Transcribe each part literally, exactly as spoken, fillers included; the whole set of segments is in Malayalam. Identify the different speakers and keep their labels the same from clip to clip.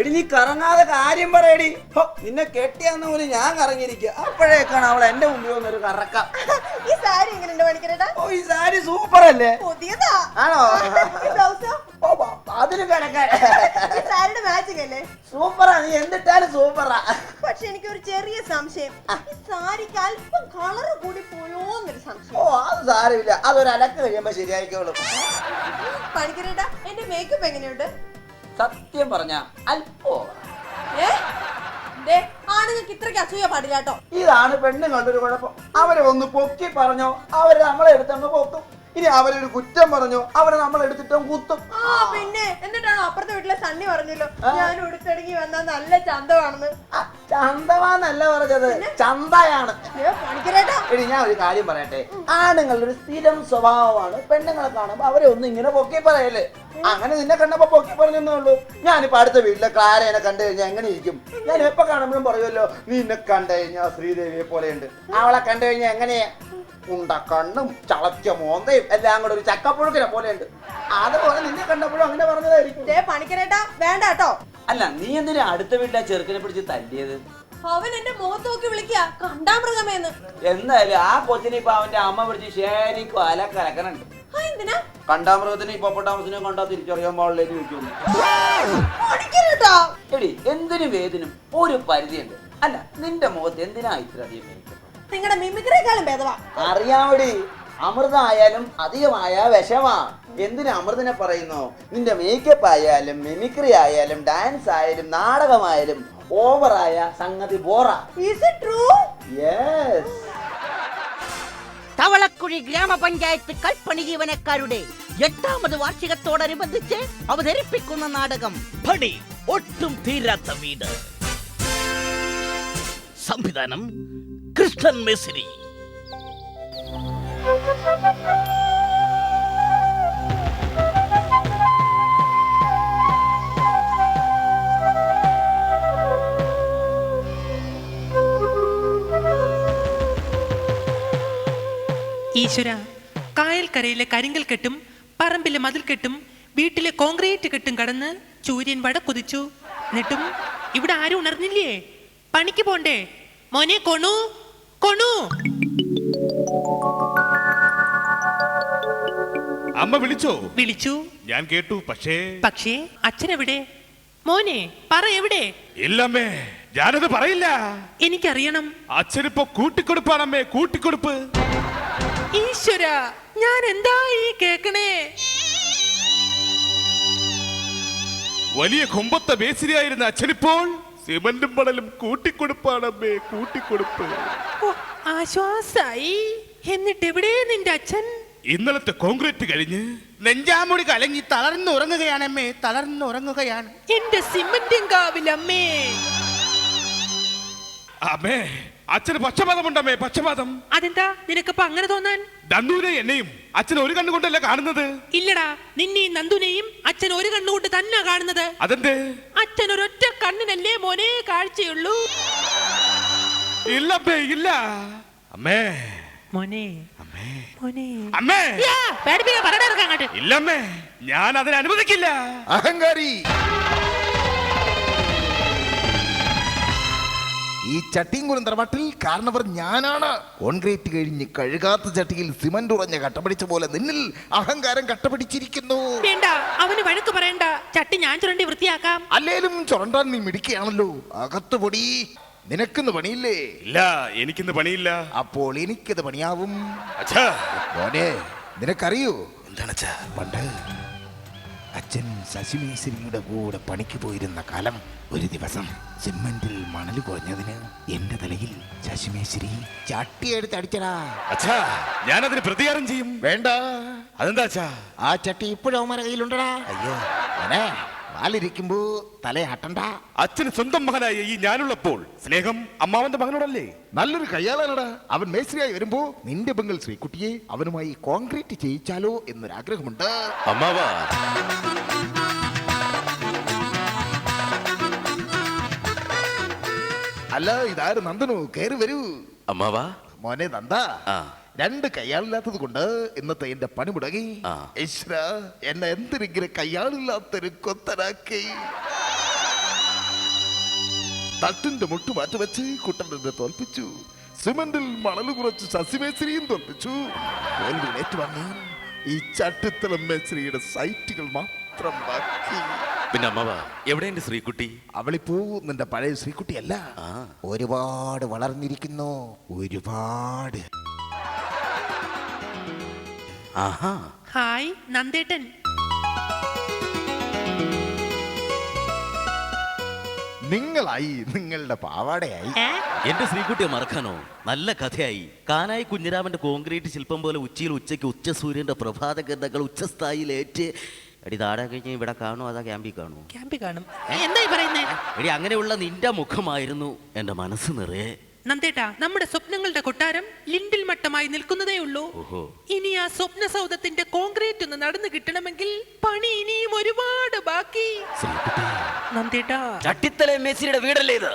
Speaker 1: എടി നീ കറങ്ങാതെ കാര്യം പറയടി. നിന്നെ കെട്ടിയാന്ന് പോലും ഞാൻ കറങ്ങിയിരിക്കുക. അപ്പോഴേക്കാണ് അവൾ എന്റെ മുമ്പിൽ വന്നൊരു കറക്കം.
Speaker 2: ഈ സാരി എങ്ങനെയുണ്ട് പണിക്കരേട്ടാ?
Speaker 1: ഓ ഈ സാരി സൂപ്പർ അല്ലേ?
Speaker 2: പുതിയതാ
Speaker 1: ആണോ? അതിന് കിടക്കാൻ
Speaker 2: സാരിയുടെ മാച്ചിങ് അല്ലേ?
Speaker 1: സൂപ്പറാ, നീ എന്തിട്ടാലും സൂപ്പറാ.
Speaker 2: പക്ഷെ എനിക്ക് ഒരു ചെറിയ സംശയം, ഈ സാരിക്ക് അല്പം കളർ കൂടി പോയോന്നൊരു സംശയം.
Speaker 1: ഓ അത് സാരമില്ല, അതൊരു അലക്ക് കഴിയുമ്പോ ശരിയായിക്കോളും.
Speaker 2: പണിക്കരേട്ടാ എന്റെ മേക്കപ്പ് എങ്ങനെയുണ്ട്?
Speaker 1: സത്യം പറഞ്ഞ അല്പോ
Speaker 2: ആണുങ്ങൾക്ക് ഇത്രയ്ക്ക് അസൂയ പാടില്ല കേട്ടോ.
Speaker 1: ഇതാണ് പെണ്ണുങ്ങളുടെ ഒരു കുഴപ്പം. അവരെ ഒന്ന് പൊക്കി പറഞ്ഞോ അവര് നമ്മളെ എടുത്തങ്ങ് പൊക്കും. ഇനി അവരൊരു കുറ്റം പറഞ്ഞോ അവരെ നമ്മളെടുത്തിട്ടും കുത്തും.
Speaker 2: ആ പിന്നെ എന്നിട്ടാണോ അപ്പുറത്തെ വീട്ടിലെ സണ്ണി പറഞ്ഞല്ലോ ഞാൻ ഉടുത്തിടങ്ങി വന്നാ നല്ല ചന്തമാണെന്ന്.
Speaker 1: ചന്തമാന്നല്ല പറഞ്ഞത്, ചന്തയാണ്.
Speaker 2: പണിക്കരേട്ടാ
Speaker 1: എടി ഞാൻ ഒരു കാര്യം പറയട്ടെ, ആണുങ്ങളുടെ ഒരു സ്ഥിരം സ്വഭാവമാണ് പെണ്ണുങ്ങളെ കാണുമ്പോ അവരെ ഒന്നും ഇങ്ങനെ പൊക്കി പറയല്. അങ്ങനെ നിന്നെ കണ്ടപ്പോ പൊക്കി പറഞ്ഞേ ഉള്ളൂ. ഞാനിപ്പോ അടുത്ത വീട്ടിലെ ക്ലാരേനെ കണ്ടു കഴിഞ്ഞാൽ എങ്ങനെ ഇരിക്കും? ഞാൻ എപ്പോ കാണുമ്പോഴും പറയുമല്ലോ നിന്നെ കണ്ടു കഴിഞ്ഞാൽ ശ്രീദേവിയെ പോലെയുണ്ട്. അവളെ കണ്ടു കഴിഞ്ഞാൽ എങ്ങനെയാ? ഉണ്ട കണ്ണും ചളച്ച മോന്തയും എല്ലാം കൂടെ ഒരു ചക്കപ്പുഴുക്കിനെ പോലെയുണ്ട്. അതുപോലെ നിന്നെ കണ്ടപ്പോഴും അങ്ങനെ പറഞ്ഞതായിരിക്കും.
Speaker 2: പണിക്കരേട്ടാ വേണ്ട കേട്ടോ.
Speaker 1: അല്ല നീ എന്തിനാ അടുത്ത വീട്ടിലെ ചെറുക്കനെ പിടിച്ച് തല്ലിയത്?
Speaker 2: അവൻ എന്റെ മുഖത്ത് നോക്കി വിളിക്കുക കണ്ടാമൃഗമേന്ന്.
Speaker 1: എന്തായാലും ആ കൊച്ചിനെ ഇപ്പൊ അവന്റെ അമ്മ പിടിച്ച് ശരിക്കും അല കലക്കനുണ്ട്.
Speaker 2: എന്തിനാ?
Speaker 1: കണ്ടാമൃഗത്തിന് ഇപ്പൊട്ടാമസിനെ കണ്ടാ തിരിച്ചറിയാൻ പാടില്ലേന്ന് ചോദിക്കുന്നു. എടി എന്തിനും വേദിനും ഒരു പരിധിയുണ്ട്. അല്ല നിന്റെ മുഖത്ത് എന്തിനാ ഇത്ര അധികം?
Speaker 2: നിങ്ങളുടെ മിമിക്രിയേക്കാളും ഭേദവാ.
Speaker 1: അറിയാമടി, അമൃത ആയാലും അധികമായ വിഷമാ. എന്തിനാ അമൃതിനെ പറയുന്നു? നിന്റെ മേക്കപ്പ് ആയാലും മിമിക്രി ആയാലും ഡാൻസ് ആയാലും നാടകമായാലും ഓവറായ സംഗതി ബോറാ.
Speaker 2: Is it true?
Speaker 1: Yes.
Speaker 3: തവളക്കുഴി ഗ്രാമപഞ്ചായത്ത് കൽപ്പണി ജീവനക്കാരുടെ എട്ടാമത് വാർഷികത്തോടനുബന്ധിച്ച് അവതരിപ്പിക്കുന്ന നാടകം
Speaker 4: പണി ഒട്ടും തീരാത്ത വീട്. സംവിധാനം കൃഷ്ണൻ മേസിരി.
Speaker 5: ഈശ്വര, കായൽക്കരയിലെ കരിങ്കൽ കെട്ടും പറമ്പിലെ മതിൽ കെട്ടും വീട്ടിലെ കോൺക്രീറ്റ് കെട്ടും കടന്ന് സൂര്യൻ വടക്കുതിച്ചു. എന്നിട്ടും ഇവിടെ ആരും ഉണർന്നില്ലേ? പണിക്ക് പോണ്ടേ? മോനെ കൊണു കൊണു.
Speaker 6: അമ്മ വിളിച്ചോ?
Speaker 5: വിളിച്ചു,
Speaker 6: ഞാൻ കേട്ടു. പക്ഷേ
Speaker 5: പക്ഷേ അച്ഛനെവിടെ? മോനെ പറ എവിടെ?
Speaker 6: ഇല്ലമ്മേ, ഞാനത് പറയില്ല.
Speaker 5: എനിക്കറിയണം.
Speaker 6: അച്ഛനിപ്പോ കൂട്ടിക്കൊടുപ്പാണമ്മേ, കൂട്ടിക്കൊടുപ്പ്.
Speaker 5: ഈശ്വര, ഞാൻ എന്താ ഈ കേക്കണേ?
Speaker 6: വലിയ കൊമ്പത്തെ മേസിരിയായിരുന്ന അച്ഛനിപ്പോൾ സിമന്റും മണലും കൂട്ടിക്കൊടുപ്പാണമ്മേ, കൂട്ടിക്കൊടുപ്പ്.
Speaker 5: ആശ്വാസായി. എന്നിട്ട് എവിടെ നിന്റെ അച്ഛൻ?
Speaker 6: ഇന്നലത്തെ കോൺക്രീറ്റ് കഴിഞ്ഞ് നെഞ്ചാമുടി കലങ്ങി തളർന്നുറങ്ങുകയാണമ്മേ, തളർന്നുറങ്ങുകയാണ്.
Speaker 5: എന്റെ സിമന്റും കാവിലമ്മേ.
Speaker 6: അമ്മേ, അച്ഛന് പക്ഷപാതമുണ്ടമ്മേ, പക്ഷപാതം.
Speaker 5: അതെന്താ നിനക്കിപ്പോ അങ്ങനെ തോന്നാൻ?
Speaker 6: നന്ദുവിനെ എന്നെയും അച്ഛൻ ഒരു കണ്ണുകൊണ്ടല്ല കാണുന്നത്.
Speaker 5: ഇല്ലടാ, നിന്നെയും നന്ദുനെയും അച്ഛൻ ഒരു കണ്ണുകൊണ്ട് തന്നെ കാണുന്നത്.
Speaker 6: അതെന്തേ?
Speaker 5: അച്ഛൻ ഒരൊറ്റ കണ്ണിനല്ലേ മോനെ കാഴ്ചയുള്ളൂ.
Speaker 6: ഇല്ലമ്മേ, ഇല്ല. അമ്മേ
Speaker 5: മോനെ,
Speaker 6: അമ്മേ
Speaker 5: മോനെ,
Speaker 6: അമ്മേ.
Speaker 5: അങ്ങോട്ട്.
Speaker 6: ഇല്ലമ്മേ, ഞാൻ അതിനെ അനുവദിക്കില്ല.
Speaker 7: അഹങ്കാരി. ഈ ചട്ടിയും കുരന്തറമട്ടിൽ കാരണവർ ഞാനാണ്. കോൺക്രീറ്റ് കഴിഞ്ഞ് കഴുകാത്ത ചട്ടിയിൽ സിമന്റ് ഉറഞ്ഞ കട്ടപിടിച്ച പോലെ നിന്നിൽ അഹങ്കാരം കട്ടപിടിച്ചിരിക്കുന്നു.
Speaker 5: വേണ്ട, അവന് വഴക്ക് പറയണ്ട. ചട്ടി ഞാൻ ചുരണ്ടി വൃത്തിയാക്കാം.
Speaker 7: അല്ലേലും ചുരണ്ടാൻ നീ മിടിക്കുകയാണല്ലോ. അകത്ത് പൊടി. നിനക്കിന്ന് പണിയില്ലേ?
Speaker 6: ഇല്ല, എനിക്കിന്ന് പണിയില്ല.
Speaker 7: അപ്പോൾ എനിക്കത് പണിയാവും.
Speaker 6: അച്ഛാ,
Speaker 7: മോനെ, നിനക്കറിയോ
Speaker 6: എന്താണ് അച്ഛാ?
Speaker 7: പണ്ട് അച്ഛൻ ശശിമേശ്വരിയുടെ കൂടെ പണിക്ക് പോയിരുന്ന കാലം, ഒരു ദിവസം സിമെന്റിൽ മണൽ കുറഞ്ഞതിന് എന്റെ തലയിൽ ശശിമേശ്വരി ചട്ടിയെടുത്ത് അടിച്ചടാ.
Speaker 6: അച്ഛാ, ഞാനതിന് പ്രതികാരം ചെയ്യും.
Speaker 7: വേണ്ട.
Speaker 6: അതെന്താ അച്ഛാ?
Speaker 7: ആ ചട്ടി ഇപ്പോഴും അവന്മാരുടെ കയ്യിലുണ്ടടാ. അയ്യോ മോനെ, വാലിരിക്കുമ്പോ തലയാട്ടണ്ട.
Speaker 6: അച്ഛന് സ്വന്തം മകനായ ഈ ഞാനുള്ളപ്പോൾ സ്നേഹം അമ്മാവന്റെ മകനോടല്ലേ?
Speaker 7: നല്ലൊരു കയ്യാളാണടാ. അവൻ മേസ്ത്രിയായി വരുമ്പോ നിന്റെ പെങ്ങൾ ശ്രീകുട്ടിയെ അവനുമായി കോൺക്രീറ്റ് ചെയ്യിച്ചാലോ എന്നൊരാഗ്രഹമുണ്ട്.
Speaker 6: അമ്മാവാ,
Speaker 7: അല്ല, ഇതാര് നന്ദനു? കയറി വരൂ.
Speaker 6: അമ്മാവാ.
Speaker 7: മോനെ നന്ദ, രണ്ട് കയ്യാളില്ലാത്തത് കൊണ്ട് ഇന്നത്തെ എന്റെ പണി മുടങ്ങി. ഈശ്വര, എന്നെ എന്തിനെങ്കിലും കയ്യാളില്ലാത്തൊരു കൊത്തനാക്കി.
Speaker 6: തട്ടിന്റെ മുട്ട് മാറ്റി വെച്ച് കുട്ടനെ തോൽപ്പിച്ചു. സിമന്റിൽ മണൽ കുറച്ച് ശശിമേശ്രിയും തോൽപ്പിച്ചു. തോൽവി ഏറ്റുവാങ്ങാൻ ഈ ചട്ടിത്തല മേശ്രിയുടെ സൈറ്റുകൾ മാത്രം ബാക്കി.
Speaker 4: പിന്നെ അമ്മവ എവിടെയുണ്ട് ശ്രീകുട്ടി?
Speaker 7: അവളിപ്പോ നിന്റെ പഴയ ശ്രീകുട്ടിയല്ല,
Speaker 4: ആ
Speaker 7: ഒരുപാട് വളർന്നിരിക്കുന്നു. ഒരുപാട്.
Speaker 4: ആഹാ.
Speaker 5: ഹായ് നന്ദേട്ടൻ.
Speaker 7: നിങ്ങളായി, നിങ്ങളുടെ പാവാടയായി.
Speaker 5: ഏ?
Speaker 4: എന്റെ ശ്രീകുട്ടിയെ മറക്കാനോ? നല്ല കഥയായി. കാനായി കുഞ്ഞിരാമന്റെ കോൺക്രീറ്റ് ശില്പം പോലെ ഉച്ചയിൽ ഉച്ചയ്ക്ക് ഉച്ച സൂര്യന്റെ പ്രഭാത ഗന്ധങ്ങൾ ഉച്ചസ്ഥായിലേറ്റ്. എടി താടെ കഴിഞ്ഞ് ഇവിടെ കാണുമോ അതാ ക്യാമ്പിൽ കാണുമോ?
Speaker 5: ക്യാമ്പിൽ കാണും. എന്തായി പറയുന്നേ?
Speaker 4: എടി അങ്ങനെയുള്ള നിന്റെ മുഖമായിരുന്നു എന്റെ മനസ്സ് നിറയെ.
Speaker 5: നന്ദേട്ടാ, നമ്മുടെ സ്വപ്നങ്ങളുടെ കൊട്ടാരം ലിൻഡിൽ മട്ടമായി നിൽക്കുന്നതേ ഉള്ളൂ.
Speaker 4: ഓഹോ.
Speaker 5: ഇനി ആ സ്വപ്ന സൗധത്തിന്റെ കോൺക്രീറ്റ് ഒന്ന് നടന്നു കിട്ടണമെങ്കിൽ പണി ഇനിയും ഒരുപാട് ബാക്കി.
Speaker 4: ശ്രീകുട്ടി,
Speaker 5: നന്ദേട്ടാ,
Speaker 4: ചട്ടിത്തല മേശ്രിയുടെ വീടല്ലേ ഇത്?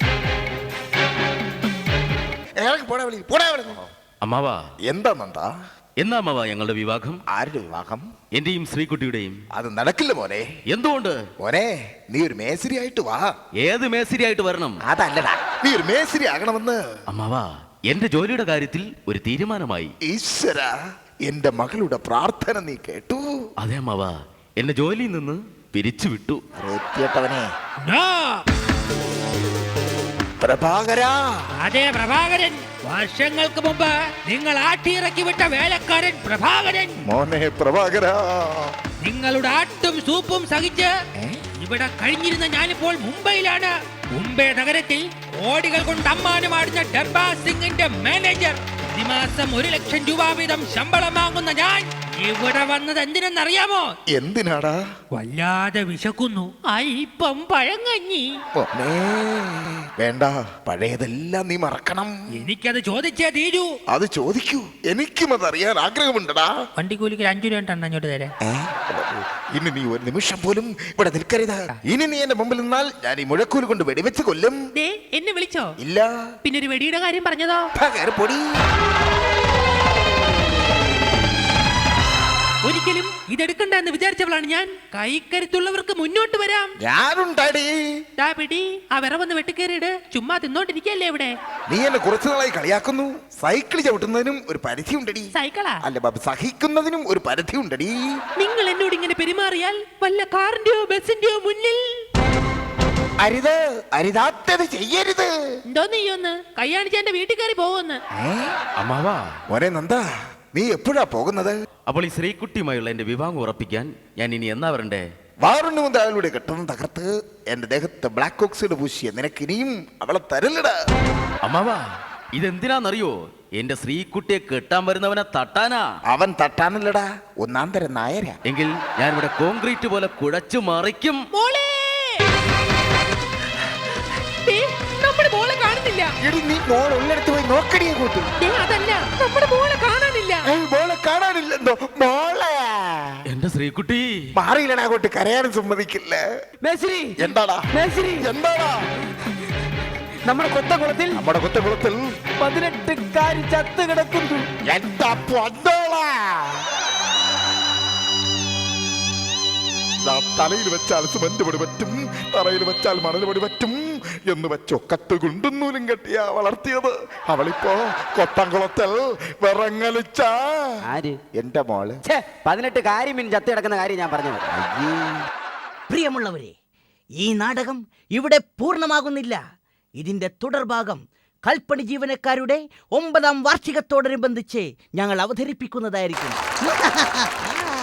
Speaker 7: ഇറങ്ങി പോടാ വിളി, പോടാ വിളി.
Speaker 4: അമ്മാവാ,
Speaker 7: എന്താ നന്ദാ?
Speaker 4: എന്നാ അമ്മാവാ ഞങ്ങളുടെ വിവാഹം?
Speaker 7: ആരുടെ വിവാഹം?
Speaker 4: എന്റെയും ശ്രീകുട്ടിയുടെയും.
Speaker 7: അത് നടക്കില്ല മോനെ.
Speaker 4: എന്തുകൊണ്ട്?
Speaker 7: മോനെ, നീ ഒരു മേസ്തിരി ആയിട്ട് വാ.
Speaker 4: ഏത് മേശ്രിയായിട്ട് വരണം?
Speaker 7: അതല്ലടാ, നീ ഒരു മേസ്തിരി ആകണമെന്ന്.
Speaker 4: അമ്മാവാ, എന്റെ ജോലിയുടെ കാര്യത്തിൽ ഒരു തീരുമാനമായി.
Speaker 7: ഈശ്വര, എന്റെ മകളുടെ പ്രാർത്ഥന നീ കേട്ടു.
Speaker 4: അതെ അമ്മാവാ, എന്റെ ജോലിയിൽ നിന്ന് പിരിച്ചു വിട്ടു.
Speaker 7: എത്തിയട്ടവനെ പ്രഭാകരാ.
Speaker 5: അതെ പ്രഭാകരൻ, വർഷങ്ങൾക്ക് മുമ്പ് നിങ്ങൾ ആട്ടിയിറക്കി വിട്ട വേലക്കാരൻ പ്രഭാകരൻ.
Speaker 7: മോനെ പ്രഭാകരാ.
Speaker 5: നിങ്ങളുടെ ആട്ടും സൂപ്പും സഹിച്ച് ഇവിടെ കഴിഞ്ഞിരുന്ന ഞാനിപ്പോൾ മുംബൈയിലാണ്. മുംബൈ നഗരത്തിൽ കോടികൾ കൊണ്ട് അമ്മാനമാടുന്ന ഡർബാർ സിംഗിന്റെ മാനേജർ. പ്രതിമാസം ഒരു ലക്ഷം രൂപ വീതം ശമ്പളം വാങ്ങുന്ന ഞാൻ ഇവിടെ വന്നത് എന്തിനെന്നറിയാമോ?
Speaker 7: എന്തിനാടാ?
Speaker 5: വല്ലാതെ വിശക്കുന്നു. അല്പം പഴങ്ങഞ്ഞി.
Speaker 7: മോനെ വേണ്ട, പഴയതെല്ലാം നീ മറക്കണം.
Speaker 5: എനിക്കത് ചോദിച്ചേ തീരൂ.
Speaker 7: അത് ചോദിക്കൂ, എനിക്കും അതറിയാൻ ആഗ്രഹമുണ്ടടാ.
Speaker 5: വണ്ടിക്കൂലിക്ക് അഞ്ചു രൂപ ഉണ്ടെന്ന് അങ്ങോട്ട് തരാം.
Speaker 7: ഏ? ഇനി നീ ഒരു നിമിഷം പോലും ഇവിടെ നിൽക്കരുത്. ഇനി നീ എന്റെ മുമ്പിൽ നിന്നാൽ ഞാൻ ഈ മുഴക്കൂല് കൊണ്ട് വെടിവെച്ച് കൊല്ലും.
Speaker 5: ദേ, എന്നെ വിളിച്ചോ?
Speaker 7: ഇല്ല.
Speaker 5: പിന്നെ ഒരു വെടിയുടെ കാര്യം പറഞ്ഞതോ?
Speaker 7: പൊടി.
Speaker 5: ഒരിക്കലും ഇതെടുക്കണ്ട എന്ന് വിചാരിച്ചവളാണ് ഞാൻ. കൈക്കരുത്തുള്ളവർക്ക് മുന്നോട്ട് വരാം.
Speaker 7: ഞാനുണ്ടാടി.
Speaker 5: ദാ പിടി, ആ വിറവൊന്ന് വെട്ടിക്കേറിയിട്. ചുമ്മാ തിന്നോണ്ടിരിക്കല്ലേ ഇവിടെ?
Speaker 7: നീ എന്നെ കുറച്ചു നാളായി കളിയാക്കുന്നു. സൈക്കിൾ ചവിട്ടുന്നതിനും ഒരു പരിധി ഉണ്ടടി.
Speaker 5: സൈക്കിളാ?
Speaker 7: അല്ല ബാബു, സഹിക്കുന്നതിനും ഒരു പരിധി ഉണ്ടടി.
Speaker 5: നിങ്ങൾ എന്നോട് ഇങ്ങനെ പെരുമാറിയാൽ വല്ല കാറിന്റെയോ ബസിന്റെയോ മുന്നിൽ
Speaker 7: അരുത്, അരുതാത്തത് ചെയ്യരുത്.
Speaker 5: എന്തോ നീയൊന്ന് കയ്യാണിച്ച് എന്റെ വീട്ടിൽ കയറി പോവെന്ന്.
Speaker 4: അമ്മാവാ,
Speaker 7: മോനെ നന്ദ, നീ എപ്പോഴാ പോകുന്നത്?
Speaker 4: അപ്പോൾ ഈ ശ്രീകുട്ടിയുമായുള്ള എന്റെ വിവാഹം ഉറപ്പിക്കാൻ ഞാൻ ഇനി എന്നാ വരണ്ടേ?
Speaker 7: വാറുണ്ണു മുതൽ അവളുടെ കെട്ടണം തകർത്ത് എന്റെ ദേഹത്ത് ബ്ലാക്ക് ഓക്സൈഡ് പൂശിയ നിനക്കിനിയും അവളെ തരല്ലടാ.
Speaker 4: അമ്മാവാ, ഇതെന്തിനാന്നറിയോ? എന്റെ ശ്രീകുട്ടിയെ കെട്ടാൻ വരുന്നവനെ തട്ടാനാ.
Speaker 7: അവൻ തട്ടാനല്ലടാ, ഒന്നാം തരം നായരാ.
Speaker 4: എങ്കിൽ ഞാൻ ഇവിടെ കോൺക്രീറ്റ് പോലെ കുഴച്ചു മറിക്കും.
Speaker 5: നമ്മുടെ മോളെ കാണുന്നില്ല.
Speaker 7: എടി, നീ മോൾ ഉള്ളിടത്ത് പോയി നോക്കടിയെ കൂട്ടു.
Speaker 5: അതല്ല, നമ്മുടെ മോളെ കാണാനില്ല.
Speaker 7: മോളെ കാണാനില്ലെന്തോ? മോളെ
Speaker 4: എന്റെ ശ്രീകുട്ടി
Speaker 7: മാറിയില്ലടാ, കൂട്ടി കരയാനും സമ്മതിക്കില്ല.
Speaker 1: മേശ്രി,
Speaker 7: എന്താടാ
Speaker 1: മേശ്രി,
Speaker 7: എന്താടാ?
Speaker 1: നമ്മുടെ കൊത്തകുളത്തിൽ
Speaker 7: നമ്മുടെ കൊത്തകുളത്തിൽ
Speaker 1: പതിനെട്ട് കാരി ചത്ത് കിടക്കുന്നു.
Speaker 7: എന്താ പൊന്തോളാ? തലയിൽ വെച്ചാൽ സിമന്റ് പൊടി പറ്റും, തറയിൽ വെച്ചാൽ മണൽ പൊടി പറ്റും എന്ന് വെച്ചോ കത്ത് കുണ്ടുന്നൂലും കെട്ടിയാ വളർത്തിയത്. അവളിപ്പോ കൊത്തംകുളത്തിൽ വിറങ്ങലിച്ച എന്റെ മോള്.
Speaker 1: പതിനെട്ട് കാര്യം ചത്ത് കിടക്കുന്ന കാര്യം ഞാൻ പറഞ്ഞത്.
Speaker 3: പ്രിയമുള്ളവരെ, ഈ നാടകം ഇവിടെ പൂർണ്ണമാകുന്നില്ല. ഇതിന്റെ തുടർഭാഗം കൽപ്പണി ജീവനക്കാരുടെ ഒമ്പതാം വാർഷികത്തോടനുബന്ധിച്ച് ഞങ്ങൾ അവതരിപ്പിക്കുന്നതായിരിക്കും.